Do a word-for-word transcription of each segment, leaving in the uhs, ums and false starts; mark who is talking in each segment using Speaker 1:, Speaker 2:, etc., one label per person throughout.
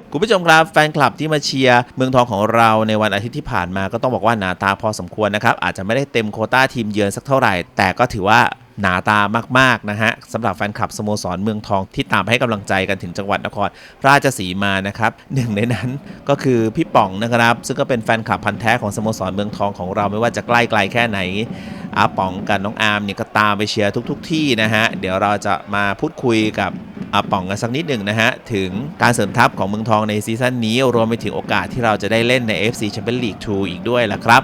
Speaker 1: คุณผู้ชมครับแฟนคลับที่มาเชียร์เมืองทองของเราในวันอาทิตย์ที่ผ่านมาก็ต้องบอกว่าหนาตาพอสมควรนะครับอาจจะไม่ได้เต็มโควต้าทีมเยือนสักเท่าไหร่แต่ก็ถือว่าหนาตามากๆนะฮะสำหรับแฟนคลับสโมสรเมืองทองที่ตามให้กำลังใจกันถึงจังหวัดนครราชสีมานะครับหนึ่งในนั้นก็คือพี่ป๋องนะครับซึ่งก็เป็นแฟนคลับพันธุ์แท้ของสโมสรเมืองทองของเราไม่ว่าจะใกล้ไกลแค่ไหนอาป๋องกับน้องอาร์มเนี่ยก็ตามไปเชียร์ทุกๆที่นะฮะเดี๋ยวเราจะมาพูดคุยกับอาป๋องกันสักนิดหนึ่งนะฮะถึงการเสริมทัพของเมืองทองในซีซั่นนี้รวมไปถึงโอกาสที่เราจะได้เล่นใน เอฟ ซี Champions League ทูอีกด้วยล่ะครับ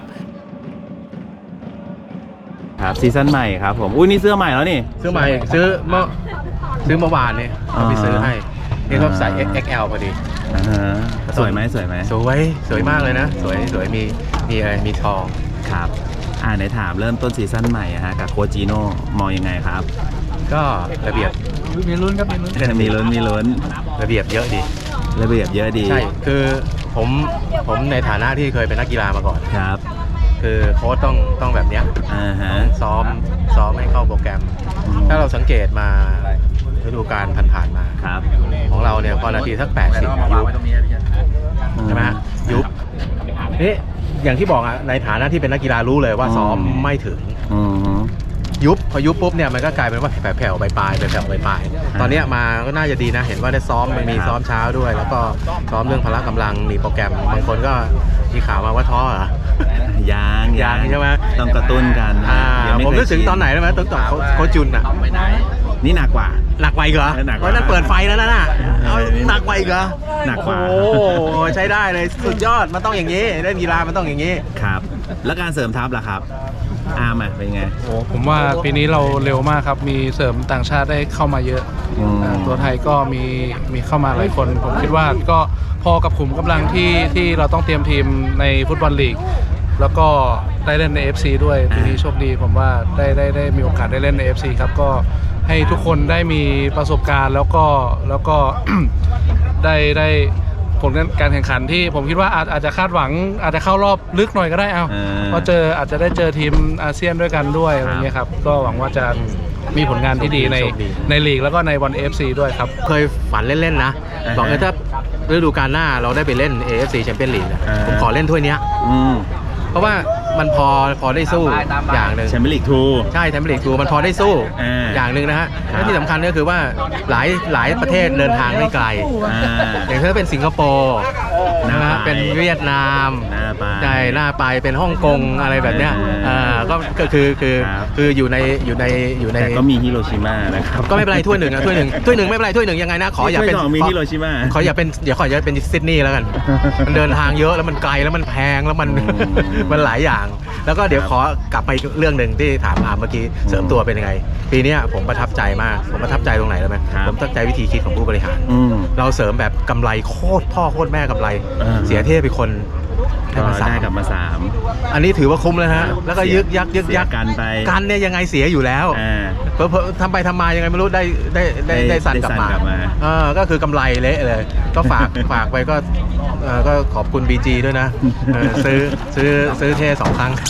Speaker 1: ครับซีซั่นใหม่ครับผมอุ้ยนี่เสื้อใหม่แล้วนี่
Speaker 2: ซื้อใหม่ซื้อเมื่อซื้อเมื่อวานเนี่ยเขาไปซื้อให้นี่ก็ใส่ เอ็กซ์ แอล พอดี
Speaker 1: สวยไหมสวยไหม
Speaker 2: สวยสวยมากเลยนะสวยสวยมีมีอะไรมีทอง
Speaker 1: ครับอ่าในถามเริ่มต้นซีซั่นใหม่ฮะกับโค้ชจีโน่มองยังไงครับ
Speaker 2: ก็ระเบียบ
Speaker 3: มีลุ้นครับมีลุ้น
Speaker 1: มีลุ้นมีลุ้น
Speaker 2: ระเบียบเยอะดี
Speaker 1: ระเบียบเยอะดี
Speaker 2: ใช่คือผมผมในฐานะที่เคยเป็นนักกีฬามาก่อน
Speaker 1: ครับ
Speaker 2: คือโค้ชต้องต้องแบบเนี้ย
Speaker 1: อ่าฮะ
Speaker 2: ซ้อมซ้อมให้เข้าโปรแกรมถ้าเราสังเกตมาฤดูกาลผ่านๆมา
Speaker 1: ครับ
Speaker 2: ของเราเนี่ยพอนาทีสักแปดสิบยุบใช่ไหมยุบนี่อย่างที่บอกอะในฐานะที่เป็นนักกีฬารู้เลยว่าซ้อมไม่ถึงยุบพอยุบปุ๊บเนี่ยมันก็กลายเป็นว่าแผ่วๆไปปลายไปแผ่วไปปลายตอนนี้มาก็น่าจะดีนะเห็นว่าได้ซ้อมมันมีซ้อมเช้าด้วยแล้วก็ซ้อมเรื่องพละกำลังมีโปรแกรมบางคนก็มีข่าวมาว่าท้อเหร
Speaker 1: อยาง
Speaker 2: ยางใช่ไหม
Speaker 1: ต้องกระตุ้นกัน
Speaker 2: ผมรู้สึกตอนไหนได้ไหมต้องต่อโคจุนอ่ะ
Speaker 1: นี่หนักกว่า
Speaker 2: หนักไปเหรอเพราะนั่นเปิดไฟแล้วนะเอาหนักไปเหรอ
Speaker 1: หนักกว่า
Speaker 2: โอ้ใช้ได้เลยสุดยอดมันต้องอย่างนี้เล่นกีฬามันต้องอย่างนี้
Speaker 1: ครับแล้วการเสริมทัพล่ะครับอาร์มเป็นไง
Speaker 3: โอ้ผมว่าปีนี้เราเร็วมากครับมีเสริมต่างชาติได้เข้ามาเยอะตัวไทยก็มีมีเข้ามาหลายคนผมคิดว่าก็พอกับขุมกำลังที่ที่เราต้องเตรียมทีมในฟุตบอลลีกแล้วก็ได้เล่นใน เอฟ ซี ด้วยปีนี้โชคดีผมว่าได้ได้ได้มีโอกาสได้เล่นใน เอฟ ซี ครับก็ให้ทุกคนได้มีประสบการณ์แล้วก็แล้วก็ ได้ได้ผลการแข่งขันที่ผมคิดว่าอาจอาจจะคาดหวังอาจจะเข้ารอบลึกหน่อยก็ได้เอาเพราะเจออาจจะได้เจอทีมอาเซียนด้วยกันด้วยอะไรเงี้ยครับก็หวังว่าจะมีผลงานที่ดีในในลีกแล้วก็ในบอล เอฟ ซี ด้วยครับ
Speaker 2: เคยฝันเล่นๆนะบอกเลยถ้าฤดูกาลหน้าเราได้ไปเล่น เอ เอฟ ซี Champions League ผมขอเล่นถ้วยนี้เพราะว่ามันพอพอได้สู้อย่างหนึ่ง
Speaker 1: แชมเปี้ยนลีกทู
Speaker 2: ใช่แชมเปี้ยนลีกทูมันพอได้สู้อย่างหนึ่งนะฮะและที่สำคัญก็คือว่าหลายหลายประเทศเดินทางไม่ไกลอย่างเช่นเป็นสิงคโปร์นะเป็นเวียดนามใช่หน้าไปเป็นฮ่องกงอะไรแบบเนี้ยก็ก็คือคือคืออยู่ในอยู่ในอยู่ใน
Speaker 1: ก็มีฮิโรชิมานะครับ
Speaker 2: ก็ไม่เป็นไรถ้วยหนึ่งนะถ้วยหนึ่งถ้วยหนึ่งไม่เป็นไรถ้วยหนึ่งยังไงนะขออย่าเป็น
Speaker 1: มีฮิโรชิมา
Speaker 2: ขออย่าเป็นเดี๋ยวขออย่าเป็นซิดนีย์แล้วกันมันเดินทางเยอะแล้วมันไกลแล้วมันแพงแล้วมันมันหลายอย่างแล้วก็เดี๋ยวขอกลับไปเรื่องหนึ่งที่ถามอาร์มเมื่อกี้เสริมตัวเป็นยังไงปีนี้ผมประทับใจมากผมประทับใจตรงไหนรู้ไหมผมประทับใจวิธีคิดของผู้บริหารเราเสริมแบบกำไรโคตรพ่อโคตรแม่กำไรเสียเทพไปคน
Speaker 1: ได้กลับมาสาม
Speaker 2: อันนี้ถือว่าคุ้มแล้วฮะแล้วก็ยึกยักยึกยัก
Speaker 1: กันไป
Speaker 2: กันเนี่ยยังไงเสียอยู่แล้วเพอทำไปทำมายังไงไม่รู้ได้ได้ได้ได้สั่นกลับมาเออก็คือกำไรเละเลยก็ฝากฝากไปก็ก็ขอบคุณ บี จี ด้วยนะซื้อซื้อซื้อเท่สองครั้ง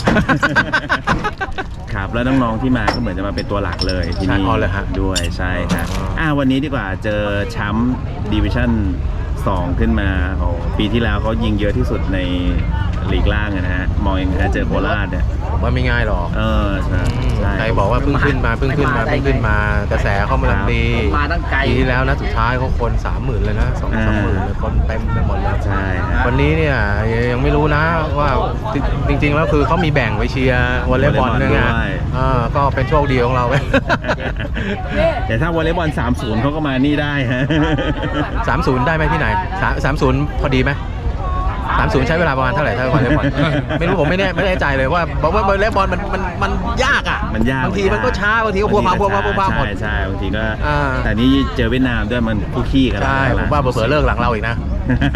Speaker 1: ครับแล้วน้องๆที่มาก็เหมือนจะมาเป็นตัวหลักเลยที่นี่ด้วยใช่ครับอ่าวันนี้ดีกว่าเจอแชมป์ดิวิชั่นสองขึ้นมาปีที่แล้วเขายิงเยอะที่สุดในลีกล่างนะฮะมองยังไงเจอโคราชเนี่ย
Speaker 2: ผมว่าไม่ง่ายหรอก
Speaker 1: เออใช่
Speaker 2: ใครบอกว่าเพิ่งขึ้นมาเพิ่งขึ้นมาเพิ่งขึ้นมากระแสเข้ามาลังดีปีที่แล้วนะสุดท้ายเขาคนสามหมื่นเลยนะสองสามหมื่นเลยคนเต็มไปหมดเลย
Speaker 1: ใช่
Speaker 2: วันนี้เนี่ยยังไม่รู้นะว่าจริงๆแล้วคือเขามีแบ่งไว้เชียร์วอลเลย์บอลด้วยไงก็เป็นโชคดีของเราไป
Speaker 1: แต่ถ้าวอลเลย์บอลสามศูนย์เขาก็มานี่ได้ฮะ
Speaker 2: สามศูนย์ได้ไหมที่ไหนสามศูนย์พอดีไหมสามศูนย์ใช้เวลาประมาณเท่าไหร่ถ้าวอลเลย์บอลไม่รู้ผมไม่แน่ไม่แน่ใจเลยว่าบอกว่าวอลเลย์บอลมันมันมันยากอ่ะ
Speaker 1: มันยาก
Speaker 2: บางทีมันก็ช้าบางทีก็พัวพัวพัวพัวพัวหมด
Speaker 1: ใช่ใช่บางทีก็แต่นี้เจอเวียดนามด้วยมันคู่ขี้กัน
Speaker 2: ใช่ผมว่าเผื่อเลิกหลังเราอีกนะ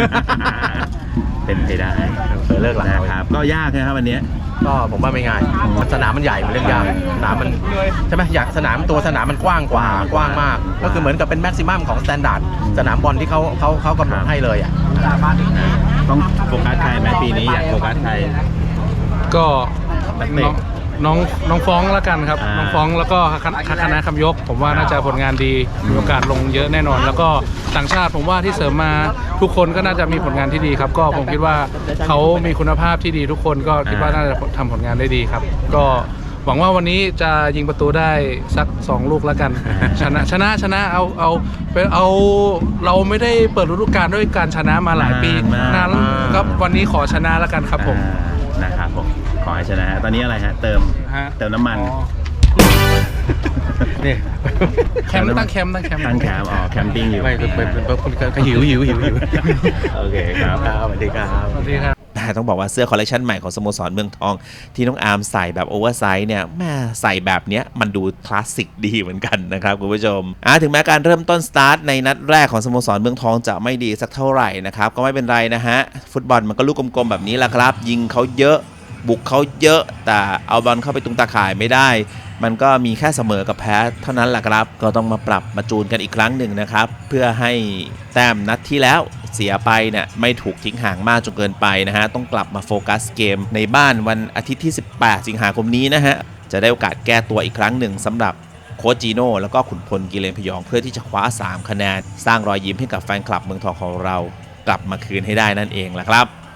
Speaker 1: เป็นไปได้
Speaker 2: เผื่อเลิกหลัง
Speaker 1: นะครับก็ยากนะครับวันนี้
Speaker 2: ก็ผมว่าไม่ง่ายสนามมันใหญ่มันเรื่องยากสนามมันใช่ไหมอยากสนามตัวสนามมันกว้างกว่ากว้างมากก็คือเหมือนกับเป็นแม็กซิมัมของสแตนดาร์ดสนามบอลที่เขาเขาเขากำหนดให้เลยอ่ะ
Speaker 1: ต้องโฟกัสใครไหมปีนี้อยากโฟกัสใคร
Speaker 3: ก็
Speaker 1: นักเตะ
Speaker 3: น้องน้องฟ้องแล้วกันครับ
Speaker 1: อ่า
Speaker 3: น้องฟ้องแล้วก็คณะคณะคำยก ผมว่าน่าจะผลงานดีมีโอกาสลงเยอะแน่นอน แล้วก็ต่างชาติผมว่าที่เสริมมาทุกคนก็น่าจะมีผลงานที่ดีครับ ก็ผมคิดว่าเขามีคุณภาพที่ดีทุกคนก็คิดว่าน่าจะทำผลงานได้ดีครับ ก็หวังว่าวันนี้จะยิงประตูได้สักสองลูกแล้วกัน ชนะชนะชนะเอาเอาไปเอาเราไม่ได้เปิดฤดูกาลด้วยการชนะมาหลายปี
Speaker 1: นานมาก
Speaker 3: นานแล้วครับวันนี้ขอชนะแล้วกันครับผม
Speaker 1: อ่านะครับผมขอให้ชนะฮะตอนนี้อะไรฮะเติม
Speaker 3: ฮะ
Speaker 1: เติมน้ำมัน
Speaker 3: อ๋อ
Speaker 2: นี่
Speaker 3: แคมป์ตั้งแคมป์ตั้งแคมป์
Speaker 1: ตั้งแคมป์อ๋อแคมปิ้งอยู่
Speaker 2: ไม่คือเป็นเป็นเป็นหิวหิวหิวหิว
Speaker 1: โอเคครับ
Speaker 2: ครับสวัสดีครับ
Speaker 3: สวัสดีครับ
Speaker 1: แต่ต้องบอกว่าเสื้อคอลเลคชันใหม่ของสโมสรเมืองทองที่น้องอาร์มใส่แบบโอเวอร์ไซส์เนี่ยแม่ใส่แบบเนี้ยมันดูคลาสสิกดีเหมือนกันนะครับคุณผู้ชมอ่ะถึงแม้การเริ่มต้นสตาร์ทในนัดแรกของสโมสรเมืองทองจะไม่ดีสักเท่าไหร่นะครับก็ไม่เป็นไรนะฮะฟุตบอลมันก็ลูกกลมๆแบบนี้แหละครับยิงเขาเยอะบุกเขาเยอะแต่เอาบอลเข้าไปตรงตาข่ายไม่ได้มันก็มีแค่เสมอกับแพ้เท่านั้นแหละครับก็ต้องมาปรับมาจูนกันอีกครั้งหนึ่งนะครับเพื่อให้แต้มนัดที่แล้วเสียไปเนี่ยไม่ถูกทิ้งห่างมากจนเกินไปนะฮะต้องกลับมาโฟกัสเกมในบ้านวันอาทิตย์ที่สิบแปดสิงหาคมนี้นะฮะจะได้โอกาสแก้ตัวอีกครั้งหนึ่งสำหรับโค้ชจีโน่แล้วก็ขุนพลกิเลนพยองเพื่อที่จะคว้าสามคะแนนสร้างรอยยิ้มให้กับแฟนคลับเมืองทองของเรากลับมาคืนให้ได้นั่นเองแหละครับ